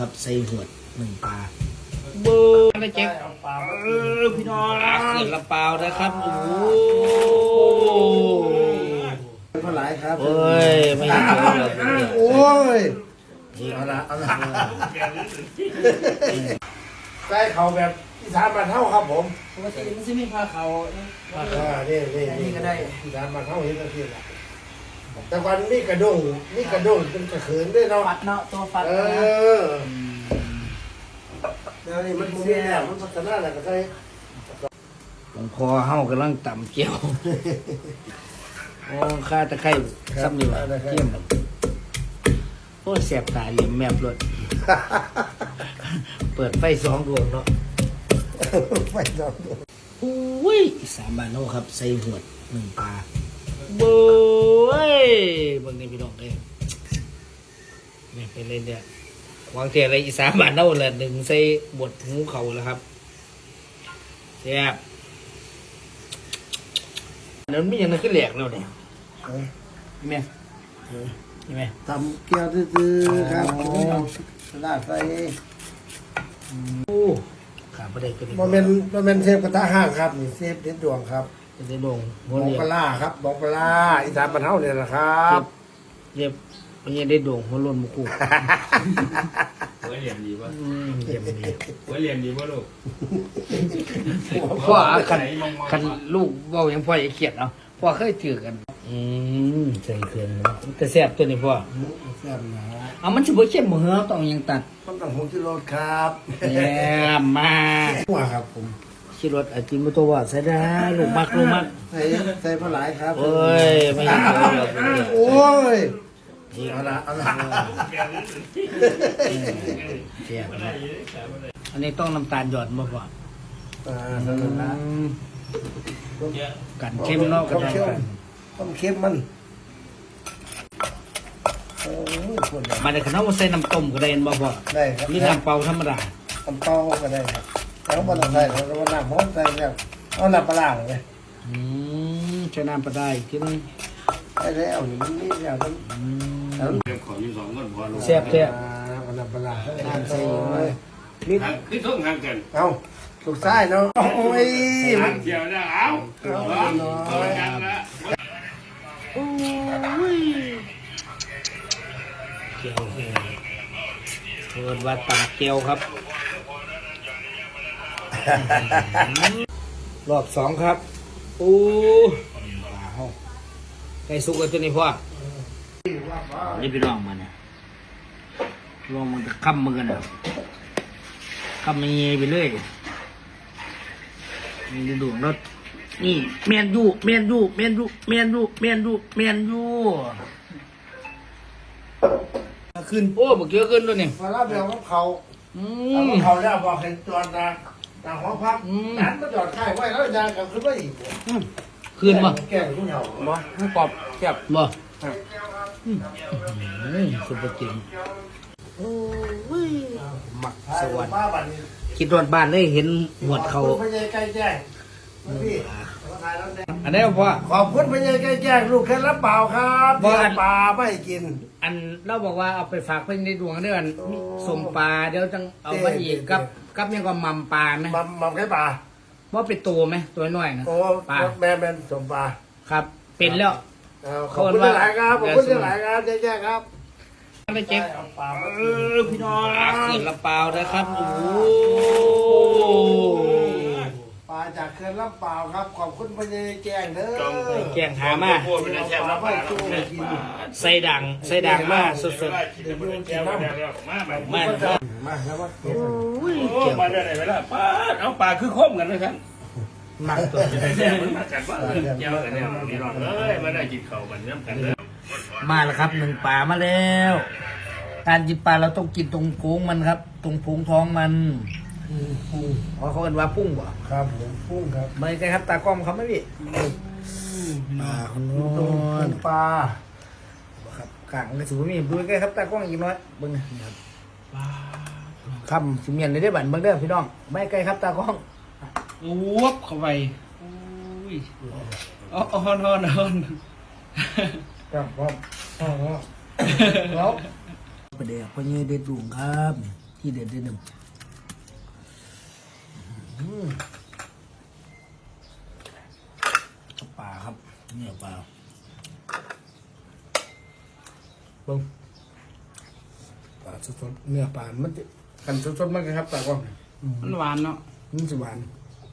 ครับใส่หัวหนึ่งปลาเบอร์อะไรเจ๊กพี่น้องเกิดลำเปล่านะครับโอ้โหเท่าไหร่ครับเอ้ยไม่เจอเลยโอ้ยเอาละใส่เขาแบบอีสานบ้านเท่าครับผมปกติมันจะมีผ้าเขานี่ก็ได้อีสานบ้านเท่าเห็นตะเกียบแต่วันนี้กระด้งเป็นกระเขินด้วยเนาะฟัดเนาะตัวฟัดแล้วนี่มันมีแล้วมันพัฒนาแล้วก็ใส่หลวงพ่อเฮากำลังต่ำเกี่ยวโอ้ข้าตะไคร้ซ้ำอยู่เที่ยมโอ้แสบตาเหลี่ยมแมบรถเปิดไฟสองดวงเนาะไฟสองดวงอุ้ยสามบาทโน่ครับใส่หัวหนึ่งปลาเบ้ยบางทีพี่น้องเลยนี่เป็นเลยเนี่ยวางเทียอะไรอีสานบ้านเน่าเลยหนึ่งใส่บดหูเขาแล้วครับแซ่บแล้วมีอย่างนั้นขึ้นแหลกแล้วเนี่ยนี่ไหมนี่ไหมทำเกี๊ยวตื้อๆครับลาดใส่โอ้ขาประเดี๋ยวก็ได้โมเมนเชฟกระทะห้างครับนี่เชฟเด็ดดวงครับจะได้ลงบองปลาครับบองปลาอีสานบ้านเฮาเนี่ยนะครับเย็บมันยังได้โด่งหัวล้นมุกุหัวเหลี่ยมดีวะเย็บดีหัวเหลี่ยมดีวะลูกพ่อคันลูกเบาอย่างพ่ออย่าเขียดเนาะพ่อเคยเจอกันใส่เครื่องแต่แซ่บตัวนี้พ่อแซ่บนะเอามันจะบ่เข้มบ่เหรอต้องยังตัดต้องผงชูรสครับแย่มาหัวครับผมชิรสอาจิมตัวว่าใส่ได้ลูกมักใส่ปลาไหลครับเอ้ยไม่เห็นเลยโอ้ยเอาละแซ่บอันนี้ต้องน้ำตาลหยอดบ่พ่อนั่นแหละกันเข้มเนาะกันต้มเค็มมันมาในขนมใส่น้ำต้มก็ได้บ่พ่อได้ครับนี่น้ำเปล่าธรรมดาน้ำเปล่าก็ได้ครับแล้วบ่ต้องใส่แล้วก็น้ำร้อนใส่แล้วเอาน้ำปลาเลยใช้น้ำปลาได้ที่นึงได้แล้วนี่มันนี่แล้วมันขออยู่สองคนพอลูกแซ่บแซ่บน้ำปลาน้ำใส่นี่คือทุ่งห่างกันเอาลูกชายเนาะโอ้ยมันเที่ยวนะเอากันละโอ้ยเกี๊ยวเปิดว่าตำเกี๊ยวครับรอบสองครับโอ้ไก่สุกกันตัวนี้พ่อนี่ไปลองมันนะลองมันจะค้ำมือกันนะค้ำมันเงี้ยไปเลยนี่ดูรถนี่เมียนยูขึ้นโอ้บอกเยอะขึ้นด้วยนี่พอรับเรื่องของเขาแล้วบอกเห็นจอดนะแต่ห้องพักนั้นมาจอดค่ายไว้แล้วยางกับขึ้นไปอีกขึ้นมาแก่ผู้เฒ่าบ่ให้กรอบแซ่บบ่สุดจริงหมักสวรรค์คิดรถบ้านเลยเห็นหมวดเขาพญาไก่แจ้งอันนี้พ่อขอบคุณพญาไก่แจ้งลูกแค่รับเปล่าครับปลาไม่กินอันเราบอกว่าเอาไปฝากเพื่อนในดวงเดือนสมปลาเดี๋ยวจังเอามาอีกกับยังก็มัมปลาไหมมัมแค่ปลาว่าเป็นตัวไหมตัวน้อยนะปลาแม่สมปลาครับเป็นแล้วขอบคุณหลายครับขอบคุณหลายครับแจ้งครับอะไรเจ๊กพี่น้องเกิดลำเปล่านะครับโอ้ปลาจากเขื่อนลำเปล่าครับขอบคุณพญาแจ้งเด้อแกงหามาใส่ด่างมาสดๆมาแล้วว่าโอ้ยมาได้ไหนไปละปลาเอาปลาคือคมกันเลยครับหมักตัวแซ่บมันมากันว่าเจ้ากันเนี่ยพี่น้องเอ้ยมาได้กินข้าวกันน้ำกันเลยมาแล้วครับหนึ่งปลามาแล้วการกินปลาเราต้องกินตรงพุงมันครับตรงพุงท้องมันเขาเรียกว่าพุ่งบ่ครับผมพุ่งครับไม่ใช่ครับตากล้องเขาไม่พี่ปลาคนนู้นปลาครับกลางในสูงมีดูใกล้ครับตากล้องอีกน้อยเบิ้งครับคำสิเมียนในได้บั่นเบิ้งเด้อพี่น้องไม่ใกล้ครับตากล้องวุบเข้าไปฮอนครับแล้วประเดี๋ยวพอเงี้ยเด็ดดุงครับที่เด็ดที่หนึ่งปลาครับเนี่ยปลาเบิ้งปลาสดๆเนื้อปลามันจะกันสดๆมากเลยครับปลากล้องมันหวานเนาะมันจะหวาน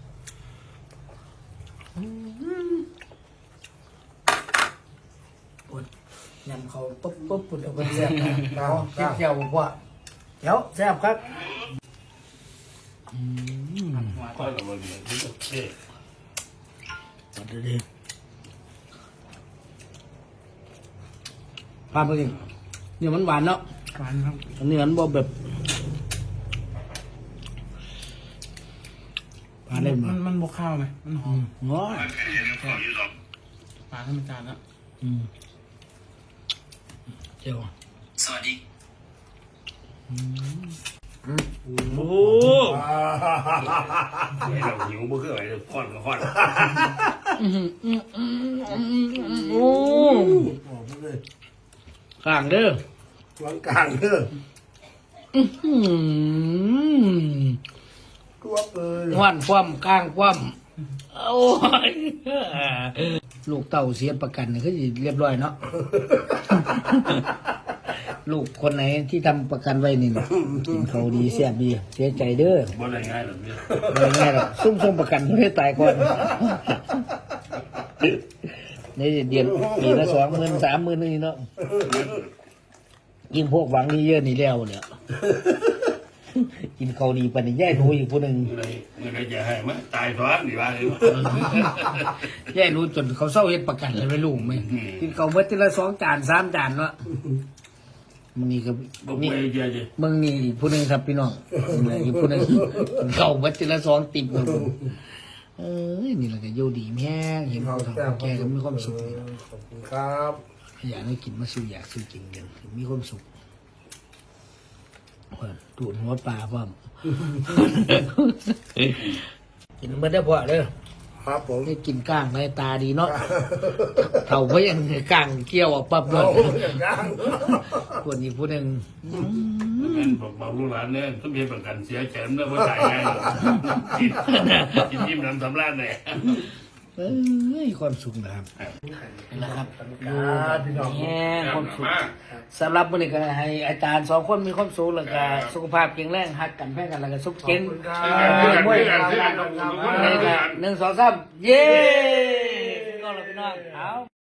ปวดยำเขาปุ๊บปุ๊บปวดเอาไปแซ่บนะเอาคิดเจียวบอกว่าเดี๋ยวแซ่บครับก็กับมันเนี่ยที่โอเคตัดเลยดิพาไปกินเนี่ยมันหวานเนาะหวานครับอันนี้มันบ่แบบพาเล่นมามันบวกข้าวไหมมันหอมง้อยปลาธรรมชาติแล้วเจียวสวัสดีโอ้ให้เราหิวบ่คืออะไรค่อนก็ค่อนโอ้บอกไปเลยข้างเด้อหลังกลางเด้อตัวเปิดหวานคว่ำข้างคว่ำโอ้ยลูกเต่าเสียประกันนี่คือสิเรียบร้อยเนาะ ลูกคนไหนที่ทำประกันไว้นี่นะกินเขาดีเสียบดีเสียใจเด้อบ่ได้ง่ายหรอกเนี่ยไม่ง่ายหรอกซุ่มประกันไม่ได้ตายก่อนในเดือนปีละ20,000 30,000นี่เนาะยิ่งพวกหวังนี่เยอะนี่แล้วเนี่ยกินเขาดีปานนี้แย่หนูอีกผู้หนึ่งเมื่อไรจะให้มาตายซ้อนดีว่าเลยแย่หนูจนเขาเศร้าเฮ็ดประกันเลยไม่รู้ไหมกินเขาเมื่อทีละ2 จาน 3 จานเนาะมันนี่ก็บ่นี่ไปเจอจะมึงนี่อีกผู้หนึ่งครับพี่น้องนี่อีกผู้หนึ่งกินเขาเมื่อทีละ2 ติบเลยนี่แหละก็อยู่ดีแม่งเห็นเขาทำแกก็มีความสุขนี่ขอบคุณครับอยากให้กินมาสู้อยากสู้กินกันมีความสุขตูดหัวปลาพ่อม กินเมื่อได้พอเด้อครับผมให้กินก้างในตาดีเนาะเท่าเพราะยังก้างเกี่ยวออกปั๊บเลยโอ้ยอย่างนั้นคนอีกผู้หนึ่งนั่นบอกลูกหลานเนี่ยต้องมีประกันเสียแขนเมื่อตายไงกินยิ้มน้ำสำราญเลยเอ้ยความสุขนะครับนะครับพี่น้องแง่ความสุขสำหรับวันนี้ก็ให้อาจารย์2 คนมีความสุขแล้วก็สุขภาพแข็งแรงหักกันแพ้กันแล้วก็สุขเก่งขอบคุณครับมวยกัน1 2 3เย้ก็เราพี่น้องเอา